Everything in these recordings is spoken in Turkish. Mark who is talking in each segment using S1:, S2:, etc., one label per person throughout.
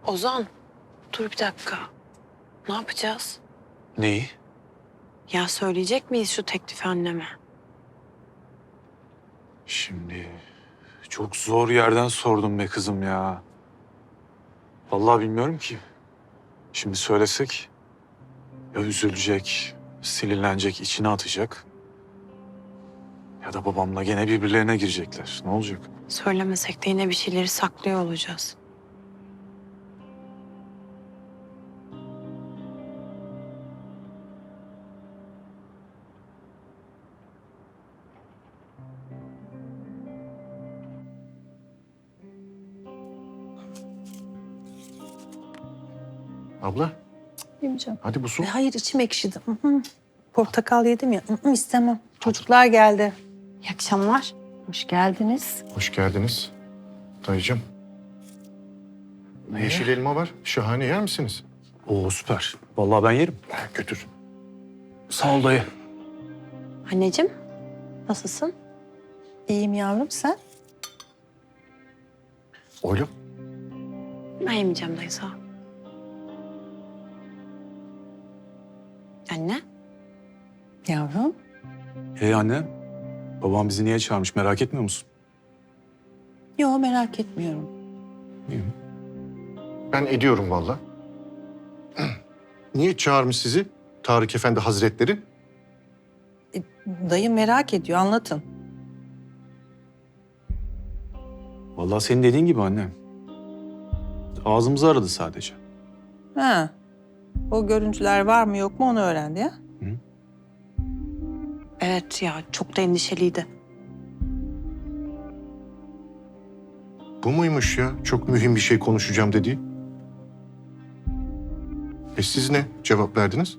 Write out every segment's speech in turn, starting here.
S1: Ozan, dur bir dakika. Ne yapacağız?
S2: Neyi?
S1: Ya söyleyecek miyiz şu teklifi anneme?
S2: Şimdi çok zor yerden sordum be kızım ya. Vallahi bilmiyorum ki. Şimdi söylesek ya üzülecek, sinirlenecek, içine atacak. Ya da babamla gene birbirlerine girecekler. Ne olacak?
S1: Söylemesek de yine bir şeyleri saklıyor olacağız.
S3: Abla
S4: Yemeyeceğim.
S3: hadi bu su.
S4: Hayır içim ekşidi. Portakal yedim ya. İstemem. Çocuklar geldi.
S1: İyi akşamlar.
S4: Hoş geldiniz.
S3: Hoş geldiniz. Dayıcığım. Yeşil elma var. Şahane, yer misiniz?
S2: Oo süper. Vallahi ben yerim.
S3: Götür.
S2: Sağ ol dayı.
S1: Anneciğim, nasılsın?
S4: İyiyim yavrum sen?
S3: Oğlum.
S1: Ben yemeyeceğim dayı, sağ ol. Anne,
S4: Yavrum.
S2: Hey anne, babam bizi niye çağırmış merak etmiyor musun?
S4: Yo merak etmiyorum.
S2: İyi.
S3: Ben ediyorum vallahi. Niye çağırmış sizi Tarık Efendi Hazretleri?
S4: Dayı merak ediyor anlatın.
S2: Vallahi senin dediğin gibi anne. Ağzımızı aradı sadece.
S4: Ha. O görüntüler var mı yok mu onu öğrendi ya.
S1: evet ya çok da endişeliydi.
S3: Bu muymuş ya? Çok mühim bir şey konuşacağım dediği. Siz ne cevap verdiniz?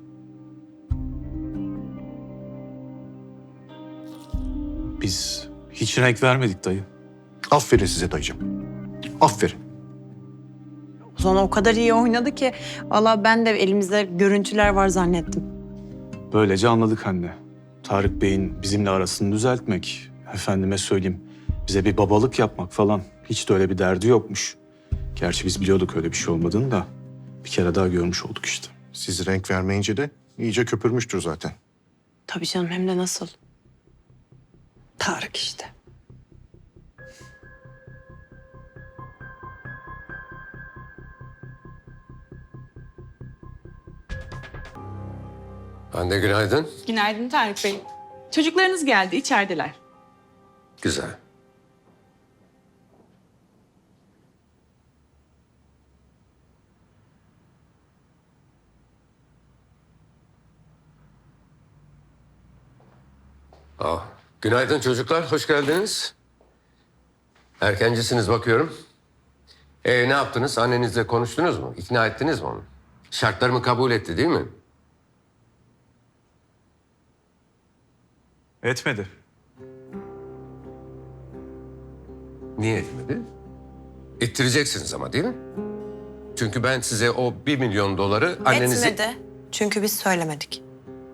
S2: Biz hiç renk vermedik dayı.
S3: Aferin size dayıcığım. Aferin.
S1: Ozan o kadar iyi oynadı ki vallahi ben de elimizde görüntüler var zannettim.
S2: Böylece anladık anne. Tarık Bey'in bizimle arasını düzeltmek, efendime söyleyeyim, bize bir babalık yapmak falan hiç de öyle bir derdi yokmuş. Gerçi biz biliyorduk öyle bir şey olmadığını da bir kere daha görmüş olduk işte.
S3: Siz renk vermeyince de iyice köpürmüştür zaten.
S1: Tabii canım, hem de nasıl.
S4: Tarık işte.
S5: Anne günaydın.
S6: Günaydın Tarık Bey. Çocuklarınız geldi, içerideler.
S5: Güzel. Günaydın çocuklar, hoş geldiniz. Erkencisiniz bakıyorum. Ne yaptınız? Annenizle konuştunuz mu? İkna ettiniz mi onu? Şartlarımı kabul etti değil mi?
S2: Etmedi.
S5: Niye etmedi? İttireceksiniz ama değil mi? Çünkü ben size o 1 milyon doları annenize...
S1: Etmedi. Çünkü biz söylemedik.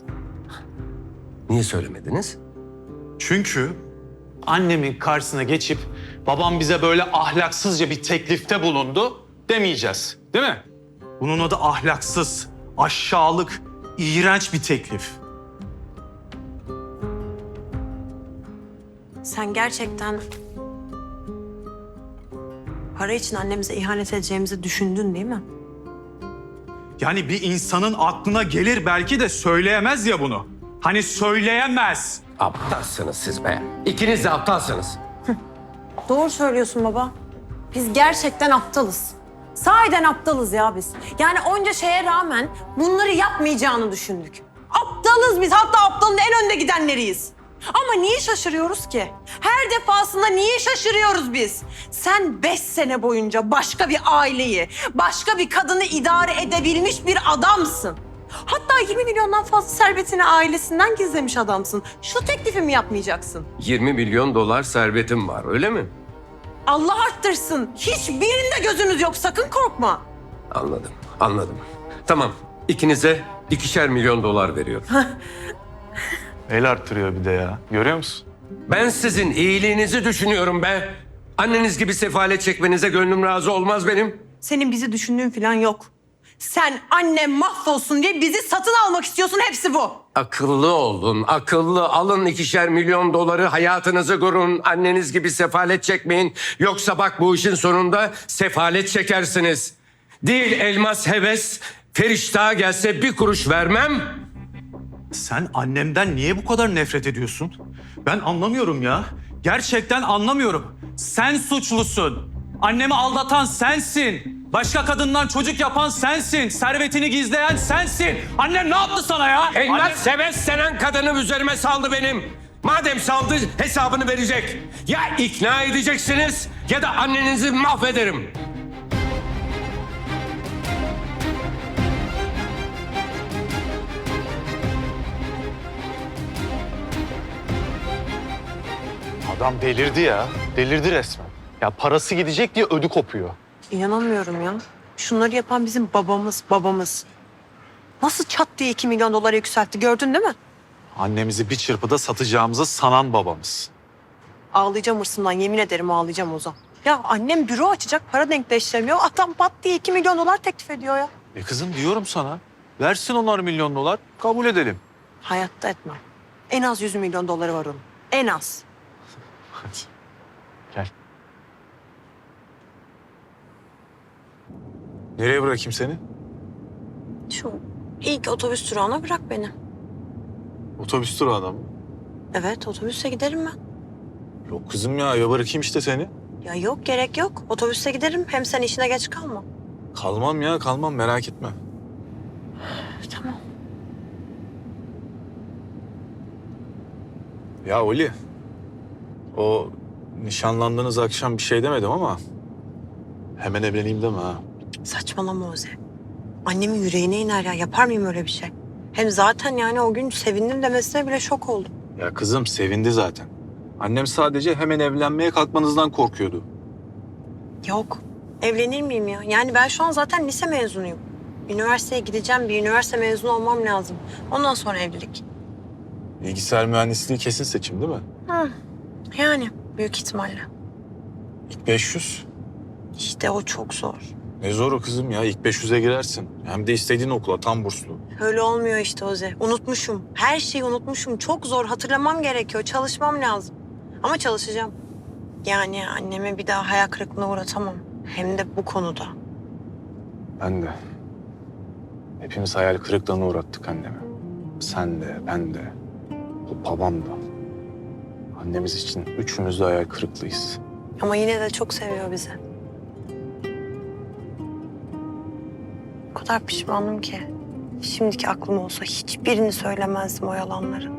S5: Niye söylemediniz?
S2: Çünkü annemin karşısına geçip babam bize böyle ahlaksızca bir teklifte bulundu demeyeceğiz. Değil mi? Bunun adı ahlaksız, aşağılık, iğrenç bir teklif.
S1: Sen gerçekten para için annemize ihanet edeceğimizi düşündün değil mi?
S2: Yani bir insanın aklına gelir belki de söyleyemez ya bunu. Hani söyleyemez.
S5: Aptalsınız siz be. İkiniz de aptalsınız.
S1: Doğru söylüyorsun baba. Biz gerçekten aptalız. Sahiden aptalız ya biz. Yani onca şeye rağmen bunları yapmayacağını düşündük. Aptalız biz. Hatta aptalın en önde gidenleriyiz. Ama niye şaşırıyoruz ki? Her defasında niye şaşırıyoruz biz? Sen 5 sene boyunca başka bir aileyi, başka bir kadını idare edebilmiş bir adamsın. Hatta 20 milyondan fazla servetini ailesinden gizlemiş adamsın. Şu teklifi mi yapmayacaksın?
S5: 20 milyon dolar servetim var öyle mi?
S1: Allah arttırsın. Hiçbirinde gözümüz yok. Sakın korkma.
S5: Anladım, anladım. Tamam, ikinize 2'şer milyon dolar veriyorum.
S2: El arttırıyor bir de ya. Görüyor musun?
S5: Ben sizin iyiliğinizi düşünüyorum be. Anneniz gibi sefalet çekmenize gönlüm razı olmaz benim.
S1: Senin bizi düşündüğün falan yok. Sen annem mahvolsun diye bizi satın almak istiyorsun, hepsi bu.
S5: Akıllı olun, akıllı. Alın 2'şer milyon doları, hayatınızı kurun. Anneniz gibi sefalet çekmeyin. Yoksa bak bu işin sonunda sefalet çekersiniz. Değil elmas heves, Feriştah'a gelse bir kuruş vermem.
S7: Sen annemden niye bu kadar nefret ediyorsun? Ben anlamıyorum ya. Gerçekten anlamıyorum. Sen suçlusun. Annemi aldatan sensin. Başka kadından çocuk yapan sensin. Servetini gizleyen sensin. Annem ne yaptı sana ya?
S5: Elmas heves denen kadını üzerime saldı benim. Madem saldı hesabını verecek. Ya ikna edeceksiniz ya da annenizi mahvederim.
S2: Adam delirdi ya. Delirdi resmen. Ya parası gidecek diye ödü kopuyor.
S1: İnanamıyorum ya. Şunları yapan bizim babamız. Nasıl çat diye 2 milyon dolara yükseltti, gördün değil mi?
S2: Annemizi bir çırpıda satacağımızı sanan babamız.
S1: Ağlayacağım hırsımdan, yemin ederim ağlayacağım Ozan. Ya annem büro açacak, para denkleştiremiyor. Adam pat diye 2 milyon dolar teklif ediyor ya.
S2: Kızım diyorum sana. Versin onlar milyon dolar. Kabul edelim.
S1: Hayatta etmem. En az 100 milyon doları var onun. En az.
S2: Hadi. Gel. Nereye bırakayım seni?
S1: Şu ilk otobüs durağına bırak beni.
S2: Otobüs durağına mı?
S1: Evet, otobüse giderim ben.
S2: Yok kızım ya bırakayım işte seni.
S1: Ya yok, gerek yok. Otobüse giderim. Hem sen işine geç kalma.
S2: Kalmam ya kalmam merak etme.
S1: Tamam.
S2: Ya Oli. O nişanlandığınız akşam bir şey demedim ama hemen evleneyim deme ha.
S1: Saçmalama Oze. Annemin yüreğine iner ya. Yapar mıyım öyle bir şey? Hem zaten yani o gün sevindim demesine bile şok oldum.
S2: Ya kızım sevindi zaten. Annem sadece hemen evlenmeye kalkmanızdan korkuyordu.
S1: Yok. Evlenir miyim ya? Yani ben şu an zaten lise mezunuyum. Üniversiteye gideceğim. Bir üniversite mezunu olmam lazım. Ondan sonra evlilik.
S2: Bilgisayar mühendisliği kesin seçim değil mi?
S1: Yani büyük ihtimalle.
S2: İlk 500.
S1: İşte o çok zor.
S2: Ne zoru kızım ya ilk 500'e girersin. Hem de istediğin okula tam burslu.
S1: Öyle olmuyor işte Oze. Unutmuşum. Her şeyi unutmuşum. Çok zor. Hatırlamam gerekiyor. Çalışmam lazım. Ama çalışacağım. Yani annemi bir daha hayal kırıklığına uğratamam. Hem de bu konuda.
S2: Ben de. Hepimiz hayal kırıklığına uğrattık annemi. Sen de, ben de, bu babam da. Annemiz için üçümüz de hayal kırıklığıyız.
S1: Ama yine de çok seviyor bizi. O kadar pişmanım ki. Şimdiki aklım olsa hiçbirini söylemezdim o yalanları.